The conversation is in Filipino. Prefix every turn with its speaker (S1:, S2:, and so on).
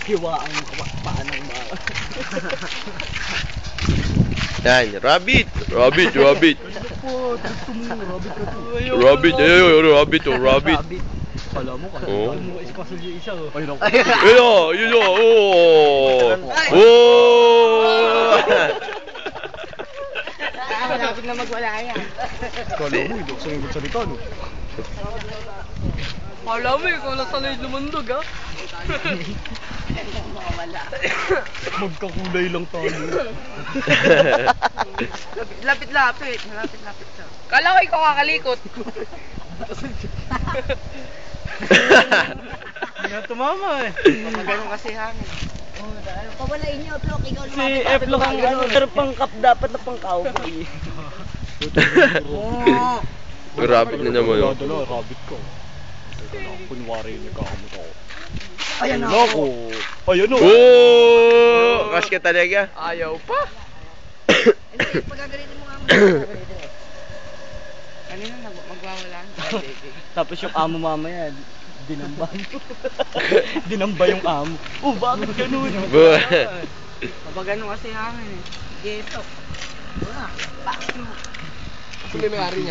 S1: Hiwa ang paan ng mga.
S2: Yan, rabbit. Rabbit, rabbit. Rabbit, rabbit, rabbit.
S1: Kala mo,
S2: Oh.
S1: mo espasol yung isa. Ayun.
S2: Ayun, oh. Oh.
S3: Malapit na magwala yan.
S1: Kala mo, hindi ko sa yung salita, no?
S3: Kala mo, ikaw lang sanay lumundog, ha? Wala.
S1: Magkakulay lang tayo.
S3: Lapit-lapit. Malapit-lapit ka. Kala ko ikaw kakalikot.
S1: Hindi na tumama eh.
S3: Ganun kasi hangin.
S4: Pawalain niyo, Plok. Ikaw
S1: Si F-Lock ang ano, pero pang-cup dapat na pang-cowboy.
S2: Rabbit na naman, oh.
S1: Dala, rabbit ko. Teka lang, kunwari nagkakamot ako.
S4: Ayan na.
S1: Naku! Ayan o!
S2: Oh! Crush ka talaga.
S3: Ayaw pa.
S4: Hindi, pagkagalitin mo nga mo.
S3: Kanina magwawala.
S1: Tapos yung amo mamaya, dinamba. Dinamba yung amo. Oh, bakit ganun?
S3: Kapag ganun kasi hangin, eh.
S4: Geto. Wala.
S3: Kasi may may-ari niya.